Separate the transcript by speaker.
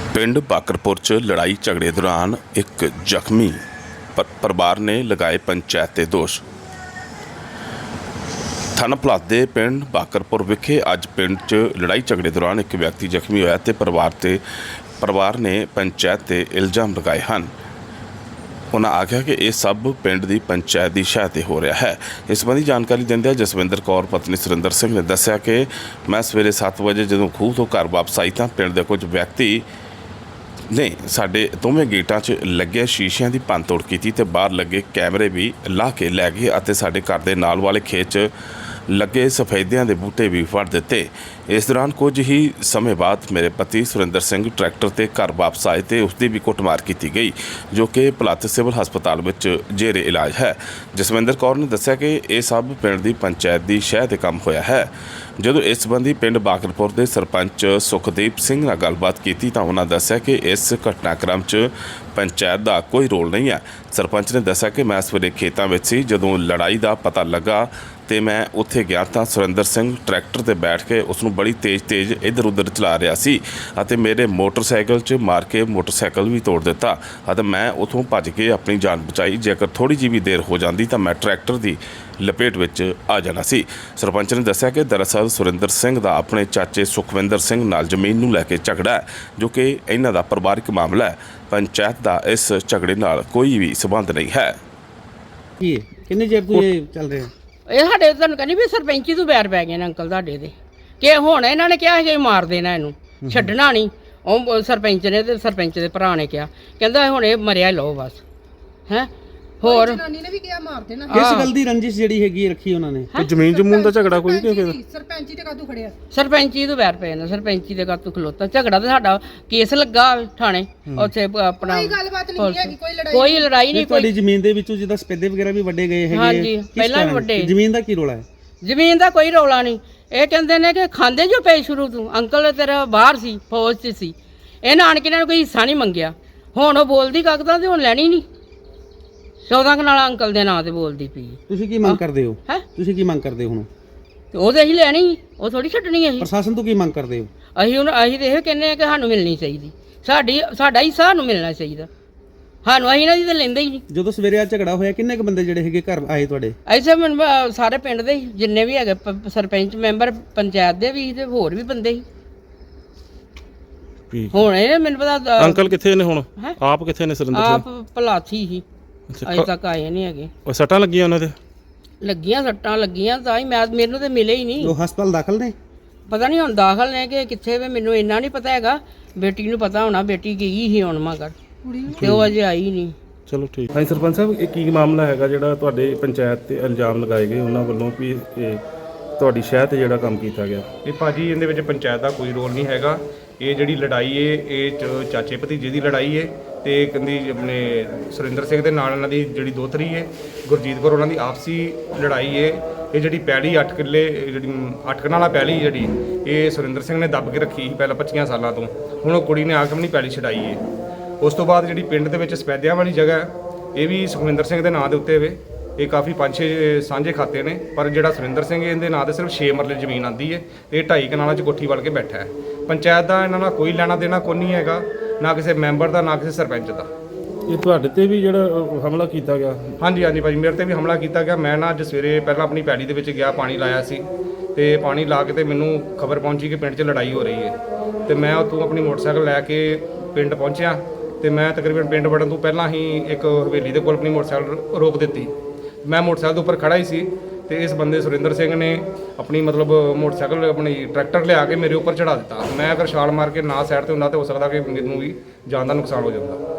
Speaker 1: ਪਿੰਡ ਬਾਕਰਪੁਰ 'ਚ ਲੜਾਈ ਝਗੜੇ ਦੌਰਾਨ ਇੱਕ ਜ਼ਖਮੀ ਪਰਿਵਾਰ ਨੇ ਲਗਾਏ ਪੰਚਾਇਤ 'ਤੇ ਦੋਸ਼। ਥਾਣਾ ਭਲਾਦ ਦੇ ਪਿੰਡ ਬਾਕਰਪੁਰ ਵਿਖੇ ਅੱਜ ਪਿੰਡ 'ਚ ਲੜਾਈ ਝਗੜੇ ਦੌਰਾਨ ਇੱਕ ਵਿਅਕਤੀ ਜ਼ਖਮੀ ਹੋਇਆ ਤੇ ਪਰਿਵਾਰ ਨੇ ਪੰਚਾਇਤ 'ਤੇ ਇਲਜ਼ਾਮ ਲਗਾਏ ਹਨ। उन्होंने आख्या कि यह सब पिंड की पंचायत की शह ते हो रहा है। इस संबंधी जानकारी देंदे जसविंदर कौर पत्नी सुरिंदर सिंह ने दस्सिया कि मैं सवेरे 7 बजे जो खूह तो घर वापस आई तो पिंड के कुछ व्यक्ति ने साडे दोवें गेटां 'च लगे शीशियां की भंन तोड़ की ते बाहर लगे कैमरे भी ला के लै गए और साडे घर के नाल वाले खेत 'च लगे सफेदियां के बूटे भी फड़ दिते। इस दौरान कुछ ही समय बाद मेरे पति सुरिंदर सिंह ट्रैक्टर ते घर वापस आए तो उसकी भी कुटमार की गई जो कि भलाद सिविल हस्पताल में जेरे इलाज है। जसविंदर कौर ने दस्सिया कि यह सब पिंड की पंचायत की शह ते काम होया है। ਜਦੋਂ इस संबंधी पिंड बाकरपुर के सरपंच सुखदीप सिंह नाल गलबात की तो उन्होंने दस्सिया कि इस घटनाक्रम च पंचायत का कोई रोल नहीं है। सरपंच ने दस्सिया कि मैं सवेरे खेतों में सी जदों लड़ाई का पता लगा तो मैं उत्थे गया तो सुरिंदर सिंह ट्रैक्टर ते बैठ के उसनूं बड़ी तेज़ इधर उधर चला रहा सी अते मेरे मोटरसाइकिल च मार के मोटरसाइकिल भी तोड़ दिता अते मैं उतों भज के अपनी जान बचाई। जेकर थोड़ी जी भी देर हो जाती तो मैं ट्रैक्टर की लपेट में आ जाना सी। सरपंच ने दस्सिया कि दरअसल सुरिंदर सिंह का अपने चाचे सुखविंदर सिंह नाल जमीन नूं लैके झगड़ा है जो कि इन्हां दा परिवारिक मामला है। पंचायत का इस झगड़े नाल कोई भी संबंध नहीं है।
Speaker 2: किन्ने चेर तो ये चल रहे हैं?
Speaker 3: ਇਹ ਸਾਡੇ ਤੁਹਾਨੂੰ ਕਹਿੰਦੀ ਵੀ ਸਰਪੰਚੀ ਤੋਂ ਬੈਰ ਪੈ ਗਏ ਨੇ ਅੰਕਲ ਤੁਹਾਡੇ ਦੇ ਕਿ ਹੁਣ ਇਹਨਾਂ ਨੇ ਕਿਹਾ ਕਿ ਮਾਰ ਦੇਣਾ ਇਹਨੂੰ ਛੱਡਣਾ ਨਹੀਂ। ਉਹ ਸਰਪੰਚ ਨੇ ਤੇ ਸਰਪੰਚ ਦੇ ਭਰਾ ਨੇ ਕਿਹਾ ਕਹਿੰਦਾ ਹੁਣ ਇਹ ਮਰਿਆ ਲਓ ਬਸ ਹੈ। ਹੋਰ
Speaker 4: ਜਨਾਨੀ ਨੇ ਵੀ ਕਿਹਾ ਮਾਰ ਦੇਣਾ।
Speaker 2: ਕਿਸ ਗੱਲ ਦੀ ਰੰਜਿਸ਼ ਜਿਹੜੀ ਹੈਗੀ ਰੱਖੀ ਉਹਨਾਂ ਨੇ?
Speaker 1: ਤੇ ਜ਼ਮੀਨ ਜਮੂਨ ਦਾ ਝਗੜਾ ਕੋਈ ਨਹੀਂ ਫਿਰ
Speaker 4: ਸਰਪੰਚੀ ਤੇ ਕਾਹਤੋਂ ਖੜਿਆ?
Speaker 3: ਸਰਪੰਚੀ ਤੋਂ ਬੈਰ ਪਏ ਨੇ ਸਰਪੰਚੀ ਦੇ ਕਾਤੋਂ ਖਲੋਤਾ ਝਗੜਾ ਤੇ ਸਾਡਾ ਕੇਸ ਲੱਗਾ ਥਾਣੇ ਉੱਥੇ ਆਪਣਾ
Speaker 4: ਕੋਈ ਗੱਲਬਾਤ ਨਹੀਂ ਹੈਗੀ,
Speaker 3: ਕੋਈ ਲੜਾਈ ਨਹੀਂ।
Speaker 2: ਤੁਹਾਡੀ ਜ਼ਮੀਨ ਦੇ ਵਿੱਚੋਂ ਜਿੱਦਾਂ ਸਪੇਦੇ ਵਗੈਰਾ ਵੀ ਵੱਡੇ ਗਏ ਹੈਗੇ?
Speaker 3: ਹਾਂਜੀ, ਪਹਿਲਾਂ ਵੀ ਵੱਡੇ।
Speaker 2: ਜ਼ਮੀਨ ਦਾ ਕੀ ਰੋਲਾ ਹੈ?
Speaker 3: ਜ਼ਮੀਨ ਦਾ ਕੋਈ ਰੌਲਾ ਨਹੀਂ। ਇਹ ਕਹਿੰਦੇ ਨੇ ਕਿ ਖਾਂਦੇ ਜੋ ਪਏ ਸ਼ੁਰੂ ਤੋਂ ਅੰਕਲ ਤੇਰਾ ਬਾਹਰ ਸੀ ਫੌਜ 'ਚ ਸੀ ਇਹਨਾਂ ਆਣ ਕੇ ਇਹਨਾਂ ਨੂੰ ਕੋਈ ਹਿੱਸਾ ਨਹੀਂ ਮੰਗਿਆ। ਹੁਣ ਉਹ ਬੋਲਦੀ ਕਾਗਜ਼ਾਂ ਤੇ ਹੁਣ ਲੈਣੀ ਨਹੀਂ 14 ਕਨਾਲਾ ਅੰਕਲ ਦੇ ਨਾਂ ਤੇ ਬੋਲਦੀ ਪਈ।
Speaker 2: ਤੁਸੀਂ ਕੀ ਮੰਗ ਕਰਦੇ ਹੋ?
Speaker 3: ਹੈ
Speaker 2: ਤੁਸੀਂ ਕੀ ਮੰਗ ਕਰਦੇ ਹੋ ਹੁਣ?
Speaker 3: ਤੇ ਉਹਦੇ ਅਸੀਂ ਲੈਣੀ ਉਹ ਥੋੜੀ ਛੱਡਣੀ ਅਸੀਂ।
Speaker 2: ਪ੍ਰਸ਼ਾਸਨ ਤੋਂ ਕੀ ਮੰਗ ਕਰਦੇ ਹੋ?
Speaker 3: ਅਸੀਂ ਤੇ ਇਹ ਕਹਿੰਦੇ ਆ ਕਿ ਸਾਨੂੰ ਮਿਲਣੀ ਚਾਹੀਦੀ ਸਾਡਾ ਹਿੱਸਾ ਸਾਨੂੰ ਮਿਲਣਾ ਚਾਹੀਦਾ। ਸਾਨੂੰ ਅਸੀਂ ਇਹਨਾਂ ਦੀ ਤਾਂ ਲੈਂਦੇ ਹੀ ਨਹੀਂ।
Speaker 2: ਜਦੋਂ ਸਵੇਰੇ ਆ ਝਗੜਾ ਹੋਇਆ ਕਿੰਨੇ ਕ ਬੰਦੇ ਜਿਹੜੇ ਹੈਗੇ ਘਰ ਆਏ ਤੁਹਾਡੇ?
Speaker 3: ਐਸੇ ਸਾਰੇ ਪਿੰਡ ਦੇ ਜਿੰਨੇ ਵੀ ਹੈਗੇ ਸਰਪੰਚ ਮੈਂਬਰ ਪੰਚਾਇਤ ਦੇ ਵੀ ਤੇ ਹੋਰ ਵੀ ਬੰਦੇ ਸੀ। ਹੁਣ ਇਹ ਮੈਨੂੰ ਪਤਾ
Speaker 1: ਅੰਕਲ ਕਿੱਥੇ ਨੇ ਹੁਣ?
Speaker 3: ਹੈਂ?
Speaker 1: ਆਪ ਕਿੱਥੇ ਨੇ ਸੁਰਿੰਦਰ ਸਿੰਘ?
Speaker 3: ਆਪ ਭਲਾਥੀ ਸੀ ਅਜੇ ਤੱਕ ਆਏ ਨਹੀਂ ਹੈਗੇ।
Speaker 1: ਉਹ ਸੱਟਾਂ ਲੱਗੀਆਂ ਉਹਨਾਂ ਦੇ?
Speaker 3: ਲੱਗੀਆਂ ਸੱਟਾਂ ਲੱਗੀਆਂ ਤਾਂ ਹੀ ਮੈਨੂੰ ਤੇ ਮਿਲੇ ਹੀ ਨਹੀਂ।
Speaker 2: ਉਹ ਹਸਪਤਾਲ ਦਾਖਲ ਨੇ?
Speaker 3: ਪਤਾ ਨਹੀਂ ਹੁਣ ਦਾਖਲ ਨੇ ਕਿ ਕਿੱਥੇ ਵੇ ਮੈਨੂੰ ਇੰਨਾ ਨਹੀਂ ਪਤਾ ਹੈਗਾ। ਬੇਟੀ ਨੂੰ ਪਤਾ ਹੋਣਾ ਬੇਟੀ ਗਈ ਸੀ ਹੁਣ ਮਗਰ ਤੇ ਉਹ ਅਜੇ ਆਈ ਨਹੀਂ।
Speaker 1: ਚਲੋ ਠੀਕ। ਹਾਂਜੀ ਸਰਪੰਚ ਸਾਹਿਬ ਇਹ ਕੀ ਮਾਮਲਾ ਹੈਗਾ ਜਿਹੜਾ ਤੁਹਾਡੇ ਪੰਚਾਇਤ ਤੇ ਇਲਜ਼ਾਮ ਲਗਾਏ ਗਏ ਉਹਨਾਂ ਵੱਲੋਂ ਵੀ ਇਹ ਤੁਹਾਡੀ ਸ਼ਹਿਰ ਤੇ ਜਿਹੜਾ ਕੰਮ ਕੀਤਾ ਗਿਆ?
Speaker 5: ਇਹ ਭਾਜੀ ਇਹਦੇ ਵਿੱਚ ਪੰਚਾਇਤ ਦਾ ਕੋਈ ਰੋਲ ਨਹੀਂ ਹੈਗਾ। ਇਹ ਜਿਹੜੀ ਲੜਾਈ ਏ ਇਹ ਚਾਚੇ ਭਤੀਜੇ ਦੀ ਲੜਾਈ ਏ ਤੇ ਕਹਿੰਦੀ ਆਪਣੇ ਸੁਰਿੰਦਰ ਸਿੰਘ ਦੇ ਨਾਲ ਇਹਨਾਂ ਦੀ ਜਿਹੜੀ ਦੋਤਰੀ ਏ ਗੁਰਜੀਤ ਕੌਰ ਉਹਨਾਂ ਦੀ ਆਪਸੀ ਲੜਾਈ ਏ। ਇਹ ਜਿਹੜੀ ਪੈਲੀ 8 ਕਿੱਲੇ ਜਿਹੜੀ 8 ਕਨਾਲਾ ਪੈਲੀ ਜਿਹੜੀ ਇਹ ਸੁਰਿੰਦਰ ਸਿੰਘ ਨੇ ਦੱਬ ਕੇ ਰੱਖੀ ਸੀ ਪਹਿਲਾਂ 25 ਸਾਲਾਂ ਤੋਂ। ਹੁਣ ਉਹ ਕੁੜੀ ਨੇ ਆ ਕੇ ਆਪਣੀ ਪੈਲੀ ਛਡਾਈ ਏ। ਉਸ ਤੋਂ ਬਾਅਦ ਜਿਹੜੀ ਪਿੰਡ ਦੇ ਵਿੱਚ ਸਪੈਦਿਆਂ ਵਾਲੀ ਜਗ੍ਹਾ ਇਹ ਵੀ ਸੁਖਵਿੰਦਰ ਸਿੰਘ ਦੇ ਨਾਂ ਦੇ ਉੱਤੇ ਵੇ। ਇਹ ਕਾਫੀ 5-6 ਸਾਂਝੇ ਖਾਤੇ ਨੇ ਪਰ ਜਿਹੜਾ ਸੁਰਿੰਦਰ ਸਿੰਘ ਇਹਦੇ ਨਾਂ ਤੇ ਸਿਰਫ 6 ਮਰਲੇ ਜ਼ਮੀਨ ਆਂਦੀ ਹੈ ਤੇ 2.5 ਕਨਾਲਾਂ 'ਚ ਕੋਠੀ ਵੜ ਕੇ ਬੈਠਾ ਹੈ। ਪੰਚਾਇਤ ਦਾ ਇਹਨਾਂ ਨਾਲ ਕੋਈ ਲੈਣਾ ਦੇਣਾ ਕੋਈ ਨਹੀਂ ਹੈਗਾ, ਨਾ ਕਿਸੇ ਮੈਂਬਰ ਦਾ ਨਾ ਕਿਸੇ ਸਰਪੰਚ ਦਾ।
Speaker 1: ਇਹ ਤੁਹਾਡੇ ਤੇ ਵੀ ਜਿਹੜਾ ਹਮਲਾ ਕੀਤਾ ਗਿਆ?
Speaker 5: ਹਾਂਜੀ ਹਾਂਜੀ ਭਾਜੀ ਮੇਰੇ ਤੇ ਵੀ ਹਮਲਾ ਕੀਤਾ ਗਿਆ। ਮੈਂ ਨਾ ਅੱਜ ਸਵੇਰੇ ਪਹਿਲਾਂ ਆਪਣੀ ਪੈਲੀ ਦੇ ਵਿੱਚ ਗਿਆ, ਪਾਣੀ ਲਾਇਆ ਸੀ ਤੇ ਪਾਣੀ ਲਾ ਕੇ ਤੇ ਮੈਨੂੰ ਖਬਰ ਪਹੁੰਚੀ ਕਿ ਪਿੰਡ 'ਚ ਲੜਾਈ ਹੋ ਰਹੀ ਹੈ ਤੇ ਮੈਂ ਉੱਥੋਂ ਆਪਣੀ ਮੋਟਰਸਾਈਕਲ ਲੈ ਕੇ ਪਿੰਡ ਪਹੁੰਚਿਆ ਤੇ ਮੈਂ ਤਕਰੀਬਨ ਪਿੰਡ ਵੜਨ ਤੋਂ ਪਹਿਲਾਂ ਹੀ ਇੱਕ ਹਵੇਲੀ ਦੇ ਕੋਲ ਆਪਣੀ ਮੋਟਰਸਾਈਕਲ ਰੋਕ ਦਿੱਤੀ। ਮੈਂ ਮੋਟਰਸਾਈਕਲ ਦੇ ਉੱਪਰ ਖੜਾ ਹੀ ਸੀ ਤੇ ਇਸ ਬੰਦੇ ਸੁਰਿੰਦਰ ਸਿੰਘ ਨੇ ਆਪਣੀ ਮਤਲਬ ਮੋਟਰਸਾਈਕਲ ਆਪਣੀ ਟਰੈਕਟਰ ਲਿਆ ਕੇ ਮੇਰੇ ਉੱਪਰ ਚੜਾ ਦਿੱਤਾ। ਮੈਂ ਅਗਰ ਛਾਲ ਮਾਰ ਕੇ ਨਾ ਸਾਈਡ ਤੇ ਹੁੰਦਾ ਤਾਂ ਹੋ ਸਕਦਾ ਕਿ ਮੈਨੂੰ ਵੀ ਜਾਨ ਦਾ ਨੁਕਸਾਨ ਹੋ ਜਾਂਦਾ।